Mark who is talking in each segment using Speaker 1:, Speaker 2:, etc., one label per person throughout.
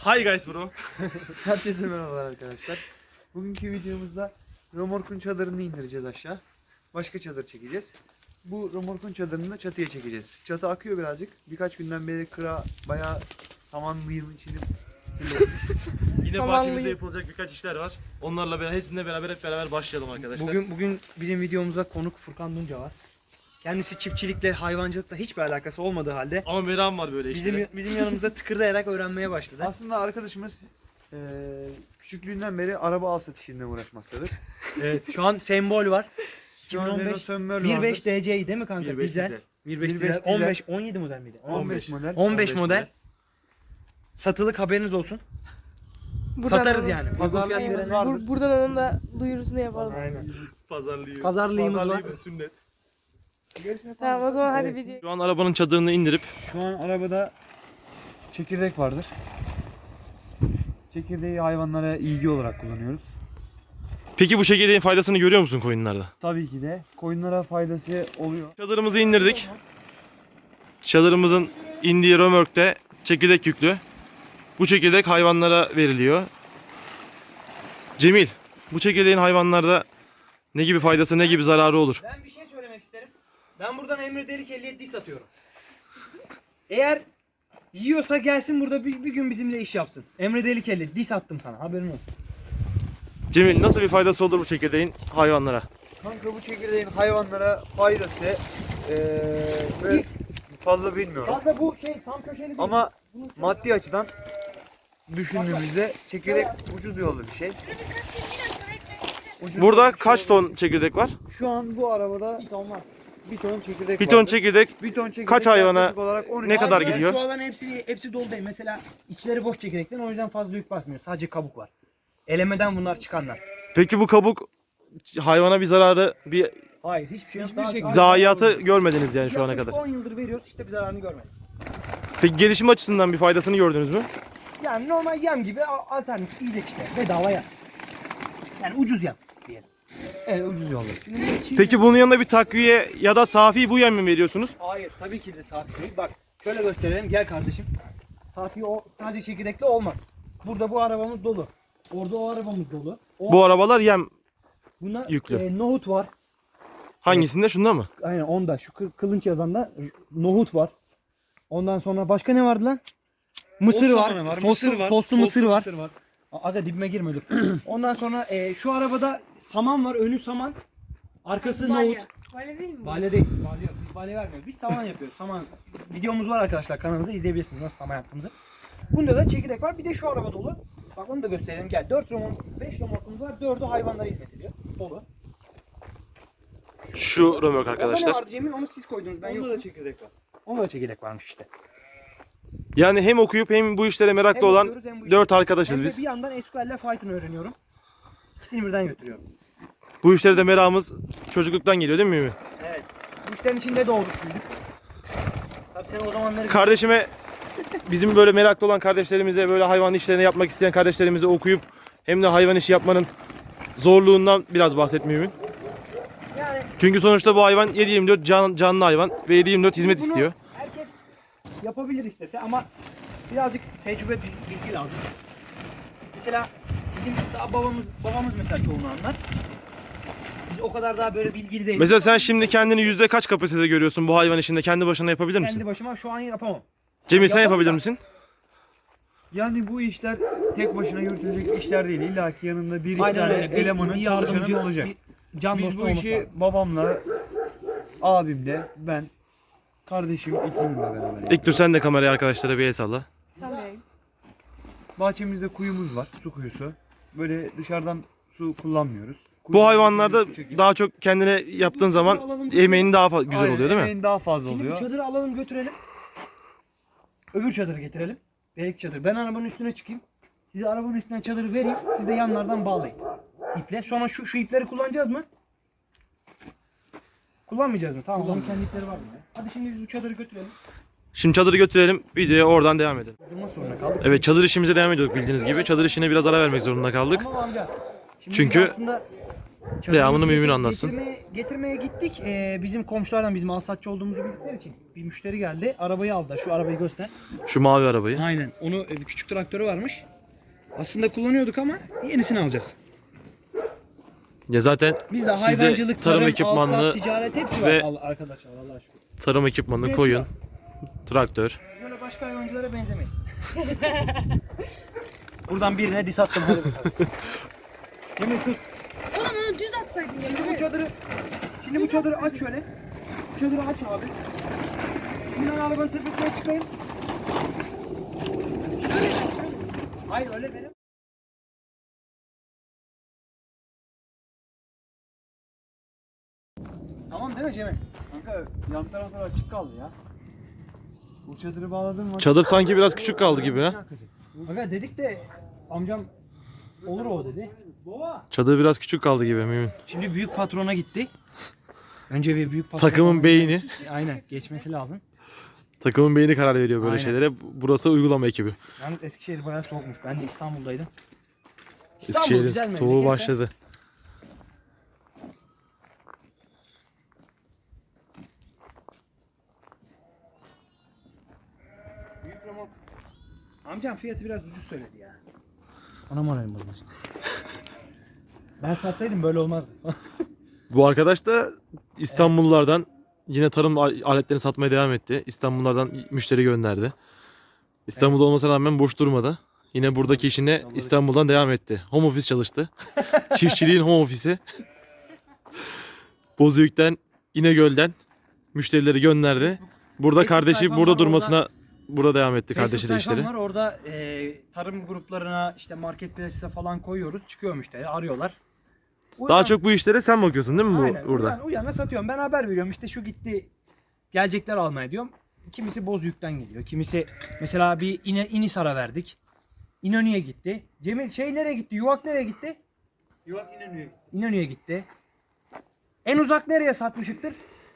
Speaker 1: Hi guys bro.
Speaker 2: Herkese merhabalar arkadaşlar. Bugünkü videomuzda römorkun çadırını indireceğiz aşağı. Başka çadır çekeceğiz. Bu römorkun çadırını da çatıya çekeceğiz. Çatı akıyor birazcık. Birkaç günden beri kıra bayağı samanlıyım içini.
Speaker 1: Yine
Speaker 3: Samanlı-
Speaker 1: bahçemizde yapılacak birkaç işler var. Onlarla beraber hepsininle beraber hep beraber başlayalım arkadaşlar.
Speaker 4: Bugün bizim videomuzda konuk Furkan Dunca var. Kendisi çiftçilikle, hayvancılıkla hiçbir alakası olmadığı halde
Speaker 1: Ama meram var böyle işlere.
Speaker 4: bizim yanımızda tıkırdayarak öğrenmeye başladı.
Speaker 2: Aslında arkadaşımız küçüklüğünden beri araba al satışıyla uğraşmaktadır.
Speaker 4: Evet, şu an sembol var.
Speaker 2: Şu an Renault
Speaker 4: 2015
Speaker 2: Sönmör
Speaker 4: 1.5
Speaker 2: vardır.
Speaker 4: DC'yi değil mi kanka?
Speaker 1: 1.5
Speaker 4: Dizel.
Speaker 1: dizel.
Speaker 4: 1.5
Speaker 2: 1.5
Speaker 4: dizel.
Speaker 2: dizel.
Speaker 4: 15 17 model miydi?
Speaker 2: 15 model.
Speaker 4: 15 model.
Speaker 1: model.
Speaker 4: Satılık, haberiniz olsun.
Speaker 3: Buradan
Speaker 4: Satarız
Speaker 3: onun-
Speaker 4: yani.
Speaker 2: Pazarlık
Speaker 4: Fiyat
Speaker 2: yerimiz
Speaker 4: verene-
Speaker 2: vardır.
Speaker 3: Buradan onun da duyurusunu yapalım.
Speaker 4: Aynen.
Speaker 1: Pazarlıyı.
Speaker 4: Pazarlığımız var.
Speaker 1: bir sünnet.
Speaker 3: Tamam o zaman hadi video.
Speaker 1: Şu an arabanın çadırını indirip
Speaker 2: Şu an arabada çekirdek vardır. Çekirdeği hayvanlara ilgi olarak kullanıyoruz.
Speaker 1: peki bu çekirdeğin faydasını görüyor musun koyunlarda?
Speaker 2: Tabii ki de koyunlara faydası oluyor.
Speaker 1: Çadırımızı indirdik. Çadırımızın indiği römorkte çekirdek yüklü. Bu çekirdek hayvanlara veriliyor. Cemil, bu çekirdeğin hayvanlarda ne gibi faydası, ne gibi zararı olur?
Speaker 4: Ben bir şey söylemek isterim. Ben buradan Emre Delik 57 diss atıyorum. Eğer yiyorsa gelsin burada bir gün bizimle iş yapsın. Emre Delik 57 diss attım sana, haberin olsun.
Speaker 1: Cemil, nasıl bir faydası olur bu çekirdeğin hayvanlara?
Speaker 2: Kanka bu çekirdeğin hayvanlara faydası ve fazla bilmiyorum.
Speaker 4: Fazla bu şey tam köşeli değil.
Speaker 2: Ama maddi açıdan düşündüğümüzde çekirdek ucuz yollu bir şey. Ucuz
Speaker 1: Burada
Speaker 2: yollu bir
Speaker 1: kaç
Speaker 2: şey
Speaker 1: ton
Speaker 2: olduğu
Speaker 1: çekirdek var?
Speaker 2: için şu an bu arabada
Speaker 4: bir ton var.
Speaker 2: bir ton çekirdek
Speaker 1: Bir ton
Speaker 2: vardır.
Speaker 1: çekirdek
Speaker 2: Bir ton çekirdek
Speaker 1: kaç hayvana
Speaker 2: yaklaşık olarak 12
Speaker 1: ne kadar
Speaker 4: Bazıları
Speaker 1: gidiyor?
Speaker 4: Çuvalların hepsi dolu değil. Mesela içleri boş çekirdekten, o yüzden fazla yük basmıyor. Sadece kabuk var. Elemeden bunlar çıkanlar.
Speaker 1: Peki bu kabuk hayvana bir zararı, bir
Speaker 4: Hayır, hiçbir şey yok.
Speaker 2: Hiçbir şekilde.
Speaker 1: zayiatı görmediniz yani şu ana
Speaker 4: Yaklaşık
Speaker 1: kadar.
Speaker 4: 10 yıldır veriyoruz, işte bir zararını görmedik.
Speaker 1: Peki gelişim açısından bir faydasını gördünüz mü?
Speaker 4: Yani normal yem gibi alternatif yiyecek işte. Bedava yem. Yani ucuz yem diyelim.
Speaker 2: Evet, ucuz yollu.
Speaker 1: Peki bunun yanında bir takviye ya da safi bu yem mi veriyorsunuz?
Speaker 4: Hayır, tabii ki de safi değil. Bak şöyle gösterelim, gel kardeşim. Safi o sadece çekirdekli olmaz. Burada bu arabamız dolu. Orada o arabamız dolu.
Speaker 1: Bu arabalar yem
Speaker 4: Buna
Speaker 1: yüklü.
Speaker 4: nohut var.
Speaker 1: hangisinde, şunda mı?
Speaker 4: Aynen onda. Şu kılınç yazanda nohut var. Ondan sonra başka ne vardı lan? Mısır
Speaker 2: Ot
Speaker 4: var.
Speaker 2: samanı var,
Speaker 4: Soslu,
Speaker 2: mısır var.
Speaker 4: soslu mısır var.
Speaker 2: Mısır var.
Speaker 4: Aga dibime girme dur. Ondan sonra şu arabada saman var. Önü saman. Arkası nohut.
Speaker 3: Böyle değil mi?
Speaker 4: Balya değil. Balya yok. Biz balya vermiyoruz. Biz saman yapıyoruz. Saman. Videomuz var arkadaşlar, kanalımızda izleyebilirsiniz nasıl saman yaptığımızı. Bunda da çekirdek var. Bir de şu araba dolu. Bak onu da gösterelim. Gel. 5 remorkumuz var. 4'ü hayvanlara hizmet ediyor. Dolu.
Speaker 1: Şu römork
Speaker 4: Orada ne
Speaker 1: arkadaşlar.
Speaker 4: vardı Cemil? Onu siz koydunuz. Ben
Speaker 2: Onda
Speaker 4: yokum.
Speaker 2: da çekirdek var.
Speaker 4: Onda da çekirdek varmış işte.
Speaker 1: Yani hem okuyup hem bu işlere meraklı
Speaker 4: Hem
Speaker 1: olan
Speaker 4: okuyoruz, hem bu
Speaker 1: 4
Speaker 4: işi-
Speaker 1: arkadaşız
Speaker 4: Hem de
Speaker 1: biz.
Speaker 4: bir yandan SQL'le Python öğreniyorum. İkisini birden götürüyorum.
Speaker 1: Bu işlere de merakımız çocukluktan geliyor değil mi Mümin?
Speaker 4: Evet. Bu işlerin içinde doğduk, büyüdük. Tabii sen o zamanları...
Speaker 1: Kardeşime, bizim böyle meraklı olan kardeşlerimize, böyle hayvan işlerini yapmak isteyen kardeşlerimize okuyup hem de hayvan işi yapmanın zorluğundan biraz bahset Mümin.
Speaker 4: Yani
Speaker 1: Çünkü sonuçta bu hayvan 7/24 canlı hayvan ve 7/24 hizmet
Speaker 4: bunu
Speaker 1: istiyor.
Speaker 4: herkes yapabilir istese ama birazcık tecrübe, bilgi lazım. Mesela bizim daha babamız mesela çoğunu anlar. Biz o kadar daha böyle bilgili değiliz.
Speaker 1: Mesela sen şimdi kendini yüzde kaç kapasitede görüyorsun bu hayvan işinde? Kendi başına yapabilir misin?
Speaker 4: Kendi başıma şu an yapamam.
Speaker 1: Cemil, sen
Speaker 4: Yapamam
Speaker 1: yapabilir
Speaker 4: da.
Speaker 1: misin?
Speaker 2: Yani bu işler tek başına yürütülecek işler değil. İlla ki yanında bir iki
Speaker 4: Aynen
Speaker 2: tane
Speaker 4: öyle.
Speaker 2: elemanın,
Speaker 4: Bir
Speaker 2: çalışanın
Speaker 4: yardımcı,
Speaker 2: olacak.
Speaker 4: bir can
Speaker 2: Biz
Speaker 4: dostu
Speaker 2: bu
Speaker 4: olması
Speaker 2: işi
Speaker 4: lazım.
Speaker 2: babamla, abimle, ben, kardeşim İknur'la beraber yapıyoruz.
Speaker 1: İlk dur sen de kameraya arkadaşlara bir el salla.
Speaker 3: Sallayayım.
Speaker 2: Bahçemizde kuyumuz var, su kuyusu. Böyle dışarıdan su kullanmıyoruz.
Speaker 1: Bu hayvanlarda
Speaker 2: Su çekip-
Speaker 1: daha çok kendine yaptığın zaman emeğin daha güzel
Speaker 2: Aynen,
Speaker 1: oluyor değil mi?
Speaker 2: emeğin daha fazla
Speaker 4: Şimdi bu
Speaker 2: oluyor.
Speaker 4: çadırı alalım götürelim. Öbür çadırı getirelim. Belki çadır. Ben arabanın üstüne çıkayım. Size arabanın üstüne çadırı vereyim. Siz de yanlardan bağlayın. İple. Sonra şu ipleri kullanacağız mı? Kullanmayacağız mı? Tamam. Onun kendi ipleri var mı? Hadi şimdi biz bu çadırı götürelim.
Speaker 1: Şimdi çadırı götürelim, videoya oradan devam edelim.
Speaker 4: Durmak zorunda kaldık.
Speaker 1: Evet, çadır işimize devam ediyorduk bildiğiniz gibi. Çadır işine biraz ara vermek zorunda kaldık.
Speaker 4: Tamam amca. Şimdi
Speaker 1: Çünkü-
Speaker 4: biz aslında
Speaker 1: Devamını Mümin anlatsın.
Speaker 4: Getirmeye gittik. Bizim komşulardan bizim alsatçı olduğumuzu bildikleri için bir müşteri geldi. Arabayı aldı. Şu arabayı göster.
Speaker 1: Şu mavi arabayı.
Speaker 4: Aynen. Onu bir küçük traktörü varmış. Aslında kullanıyorduk ama yenisini alacağız.
Speaker 1: Ya zaten
Speaker 4: Bizde
Speaker 1: sizde
Speaker 4: hayvancılık,
Speaker 1: tarım
Speaker 4: tarım,
Speaker 1: ekipmanını
Speaker 4: alsat, ticaret hepsi var
Speaker 1: ve
Speaker 4: arkadaşlar. Allah'a şükür.
Speaker 1: tarım ekipmanını,
Speaker 4: Hepsi
Speaker 1: koyun,
Speaker 4: var.
Speaker 1: traktör.
Speaker 4: Böyle başka hayvancılara benzemeyiz. Buradan birine dis attım. Hadi bakalım. Cemil tut.
Speaker 3: Oğlum onu düz atsaydın ya.
Speaker 4: Şimdi bu çadırı aç şöyle. Bu çadırı aç abi. Şimdi ben arabanın tepesine çıkayım. Şöyle. Hayır öyle benim. Tamam değil mi Cemil?
Speaker 2: Kanka yan taraflar açık kaldı ya. Bu çadırı bağladın mı?
Speaker 1: Çadır sanki biraz küçük kaldı gibi ha.
Speaker 4: Aga dedik de amcam olur o dedi.
Speaker 1: Çadır biraz küçük kaldı gibi Mümin.
Speaker 4: Şimdi büyük patrona gitti. Önce bir büyük patrona.
Speaker 1: Takımın beyni.
Speaker 4: Aynen geçmesi lazım.
Speaker 1: Takımın beyni karar veriyor böyle
Speaker 4: Aynen.
Speaker 1: şeylere. Burası uygulama ekibi.
Speaker 4: Yalnız Eskişehir bayağı soğukmuş. Ben de İstanbul'daydım.
Speaker 1: Eskişehir'in
Speaker 4: güzel
Speaker 1: soğuğu
Speaker 4: memleket de.
Speaker 1: başladı.
Speaker 4: Büyük remork. Amcam fiyatı biraz ucuz söyledi ya. Ona moralim bozmuş. Ben satsaydım böyle olmazdı.
Speaker 1: Bu arkadaş da İstanbullulardan yine tarım aletlerini satmaya devam etti. İstanbullulardan müşteri gönderdi. İstanbul'da olmasına rağmen boş durmadı. Yine buradaki işine İstanbul'dan devam etti. Home office çalıştı. Çiftçiliğin home office'i. Bozüyük'ten, İnegöl'den müşterileri gönderdi. Burada
Speaker 4: Facebook
Speaker 1: kardeşi
Speaker 4: sayfam
Speaker 1: burada
Speaker 4: var,
Speaker 1: durmasına burada devam etti
Speaker 4: Facebook
Speaker 1: kardeşi de
Speaker 4: sayfam
Speaker 1: işleri.
Speaker 4: var orada tarım gruplarına işte marketplace'e falan koyuyoruz. Çıkıyor müşteri arıyorlar.
Speaker 1: Daha çok bu işlere sen bakıyorsun değil mi
Speaker 4: Aynen,
Speaker 1: burada?
Speaker 4: Uyana satıyorum. Ben haber veriyorum. İşte şu gitti. Gelecekler almaya diyorum. Kimisi Bozüyük'ten geliyor. Kimisi mesela bir İnisar'a verdik. İnönü'ye gitti. Cemil nereye gitti? Yuvak nereye gitti?
Speaker 2: Yuvak İnönü'ye gitti.
Speaker 4: İnönü'ye gitti. En uzak nereye satmışıktır?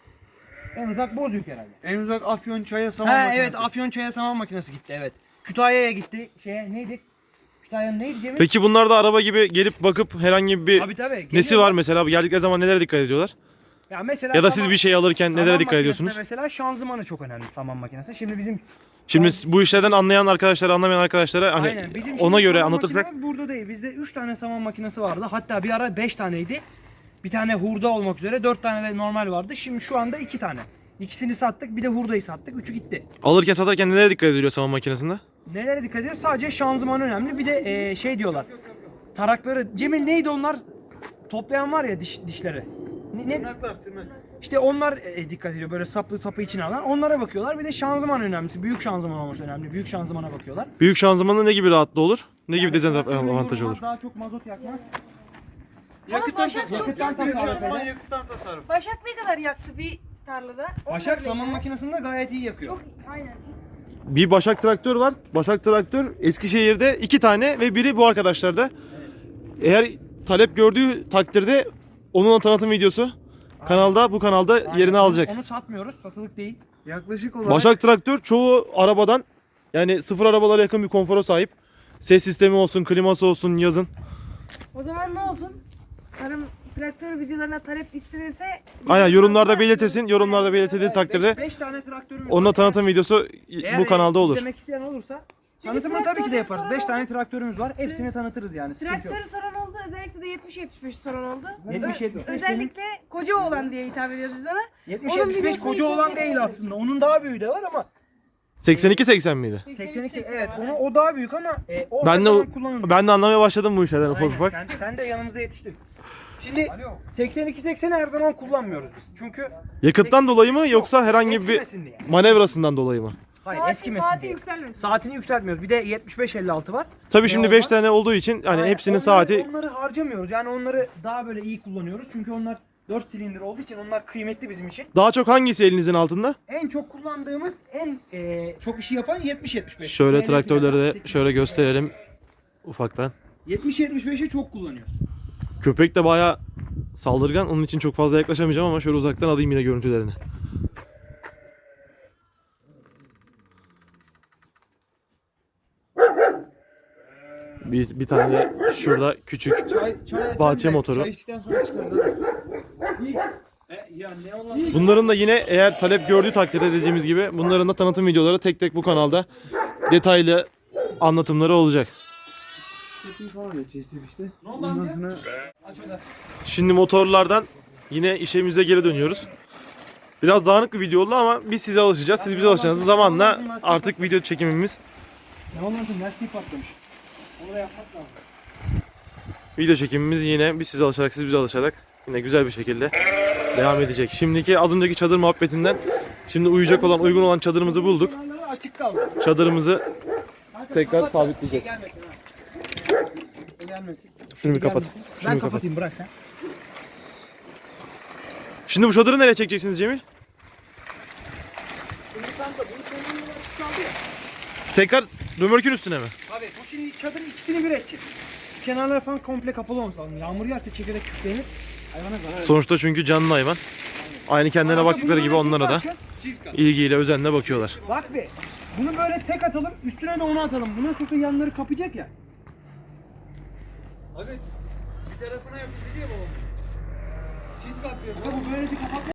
Speaker 4: En uzak Bozüyük herhalde.
Speaker 2: En uzak Afyon çaya saman
Speaker 4: Ha
Speaker 2: makinesi.
Speaker 4: evet Afyonçay'a saman makinesi gitti evet. Kütahya'ya gitti. Neydi? Kütahya'nın neydi Cemil?
Speaker 1: Peki bunlar da araba gibi gelip bakıp herhangi bir
Speaker 4: Tabii.
Speaker 1: nesi
Speaker 4: geliyorlar.
Speaker 1: var mesela? Geldikleri zaman nelere dikkat ediyorlar?
Speaker 4: Ya mesela
Speaker 1: Ya da siz bir şey alırken
Speaker 4: saman
Speaker 1: nelere dikkat
Speaker 4: makinesinde
Speaker 1: ediyorsunuz?
Speaker 4: Mesela şanzımanı çok önemli saman makinesi. Şimdi bizim
Speaker 1: Şimdi bu işlerden anlayan arkadaşlara, anlamayan arkadaşlara hani
Speaker 4: Aynen. Bizim
Speaker 1: ona
Speaker 4: şimdi
Speaker 1: göre
Speaker 4: saman
Speaker 1: anlatırsak
Speaker 4: makinemiz burada değil. Bizde 3 tane saman makinesi vardı. Hatta bir ara 5 taneydi. Bir tane hurda olmak üzere 4 tane de normal vardı. Şimdi şu anda 2 tane. İkisini sattık. Bir de hurdayı sattık. 3'ü gitti.
Speaker 1: alırken satarken nelere dikkat ediliyor saman makinesinde?
Speaker 4: Nelere dikkat ediyor? Sadece şanzıman önemli. Bir de şey diyorlar. Tarakları. Cemil neydi onlar? Toplayan var ya dişleri.
Speaker 2: Tırnaklar.
Speaker 4: İşte onlar dikkat ediyor. Böyle sapı içine alan. Onlara bakıyorlar. Bir de şanzıman önemlisi. Büyük şanzıman olması önemli. Büyük şanzımana bakıyorlar.
Speaker 1: Büyük şanzımanla ne gibi rahatlığı olur? Ne gibi
Speaker 4: Yani
Speaker 1: dezavantaj olur?
Speaker 4: Daha çok mazot yakmaz.
Speaker 2: Yakıttan
Speaker 3: Başak
Speaker 2: tasarruf.
Speaker 3: çok
Speaker 4: yakıyor.
Speaker 2: Yakıttan tasarruf.
Speaker 3: Başak ne kadar yaktı bir tarlada?
Speaker 4: Başak saman makinesinde gayet iyi yakıyor.
Speaker 3: Çok aynen.
Speaker 1: Bir Başak traktör var. Başak traktör Eskişehir'de 2 tane ve biri bu arkadaşlarda. Eğer talep gördüğü takdirde onun tanıtım videosu kanalda bu kanalda
Speaker 4: Aynen.
Speaker 1: yerini alacak.
Speaker 4: Onu satmıyoruz. Satılık değil.
Speaker 2: Yaklaşık olarak
Speaker 1: Başak traktör çoğu arabadan yani sıfır arabalara yakın bir konfora sahip. Ses sistemi olsun, kliması olsun yazın.
Speaker 3: O zaman ne olsun? Tarım traktör videolarına talep istenirse
Speaker 1: Aynen yorumlarda belirtirsin. Yorumlarda belirtildiği takdirde
Speaker 4: 5 tane traktörümüz
Speaker 1: onunla
Speaker 4: var.
Speaker 1: tanıtım videosu
Speaker 4: Eğer
Speaker 1: bu kanalda olur.
Speaker 4: izlemek isteyen olursa
Speaker 3: Çünkü
Speaker 4: tanıtımını tabii ki de
Speaker 3: traktörden
Speaker 4: yaparız.
Speaker 3: sonra
Speaker 4: 5 tane traktörümüz var. Hepsini tanıtırız yani. Sıkıntı yok.
Speaker 3: traktörü soran oldu. Özellikle de 70-75 soran oldu.
Speaker 4: 70-75
Speaker 3: Özellikle koca oğlan diye hitap ediyoruz biz ona.
Speaker 4: 70-75
Speaker 3: videosunu
Speaker 4: koca olan
Speaker 3: izleyin.
Speaker 4: değil aslında. Onun daha büyüğü de var ama
Speaker 1: 82-80 miydi?
Speaker 4: 82 evet. O daha büyük ama o
Speaker 1: Ben
Speaker 4: her
Speaker 1: de
Speaker 4: zaman kullanılmıyor.
Speaker 1: ben de anlamaya başladım bu işlerden ufak
Speaker 4: Aynen.
Speaker 1: ufak.
Speaker 4: Sen de yanımızda yetiştin. Şimdi 82-80'i her zaman kullanmıyoruz biz. Çünkü
Speaker 1: Yakıttan dolayı mı yoksa herhangi bir
Speaker 4: eskimesin diye.
Speaker 1: manevrasından dolayı mı?
Speaker 4: Hayır
Speaker 3: Saati
Speaker 4: eskimesin diye.
Speaker 3: yükselmesin.
Speaker 4: Saatini yükseltmiyoruz. Bir de 75-56 var.
Speaker 1: Tabii şimdi
Speaker 4: Ne
Speaker 1: 5
Speaker 4: olmaz?
Speaker 1: tane olduğu için hani
Speaker 4: Aynen.
Speaker 1: hepsinin
Speaker 4: Onları-
Speaker 1: saati
Speaker 4: Onları harcamıyoruz. Yani onları daha böyle iyi kullanıyoruz. Çünkü onlar 4 silindir olduğu için onlar kıymetli bizim için.
Speaker 1: daha çok hangisi elinizin altında?
Speaker 4: En çok kullandığımız en çok işi yapan 70-75.
Speaker 1: Şöyle
Speaker 4: Yani
Speaker 1: traktörleri de
Speaker 4: 8.
Speaker 1: şöyle gösterelim ufaktan.
Speaker 4: 70-75'i çok kullanıyoruz.
Speaker 1: Köpek de bayağı saldırgan. Onun için çok fazla yaklaşamayacağım ama şöyle uzaktan alayım yine görüntülerini. Bir tane de şurada küçük
Speaker 2: Çay
Speaker 1: bahçe motoru.
Speaker 2: Çay içtikten sonra çıkarız hadi.
Speaker 4: Ya ne olan?
Speaker 1: Bunların da yine eğer talep gördüğü takdirde dediğimiz gibi bunların da tanıtım videoları tek tek bu kanalda detaylı anlatımları olacak.
Speaker 2: Çekimi falan geçeceğiz işte.
Speaker 4: Ne oldu
Speaker 2: Ondan
Speaker 4: amca?
Speaker 2: sonra
Speaker 4: Aç hadi.
Speaker 1: Şimdi motorlardan yine işimize geri dönüyoruz. Biraz dağınık bir video oldu ama biz size alışacağız. Siz bize alışacaksınız. Zamanla artık video çekimimiz,
Speaker 4: Ne olan? Lastik patlamış. Onu da yapmak lazım.
Speaker 1: video çekimimiz yine biz size alışarak, siz bize alışarak yine güzel bir şekilde devam edecek. Şimdiki az önceki çadır muhabbetinden şimdi uyuyacak olan, uygun olan çadırımızı bulduk.
Speaker 4: Kenarları açık kaldı.
Speaker 1: Çadırımızı
Speaker 4: Kanka,
Speaker 1: tekrar
Speaker 4: kapat da
Speaker 1: sabitleyeceğiz.
Speaker 4: Gelmesin ha. Gelmesin.
Speaker 1: Şunu bir kapat.
Speaker 4: Gelmesin.
Speaker 1: Şunu
Speaker 4: Ben
Speaker 1: bir kapat.
Speaker 4: kapatayım, bırak sen.
Speaker 1: Şimdi bu çadırı nereye çekeceksiniz Cemil? Tekrar römorkün üstüne mi?
Speaker 4: Abi bu şimdi çadırın ikisini bir edecek. Kenarları falan komple kapalı olması lazım. Yağmur yağarsa çekirdek küflenir. Hayvana zarar verir.
Speaker 1: Sonuçta çünkü canlı hayvan. Aynı kendilerine
Speaker 4: Arada
Speaker 1: baktıkları
Speaker 4: bunu
Speaker 1: gibi
Speaker 4: böyle
Speaker 1: onlara da
Speaker 4: tek atacağız.
Speaker 1: ilgiyle, özenle bakıyorlar.
Speaker 4: Bak be. Bunu böyle tek atalım, üstüne de onu atalım. Buna sonra yanları kapayacak ya.
Speaker 2: abi bir tarafına yapıldı diye babam. Çift kapıyor.
Speaker 4: Bu böylece kapat.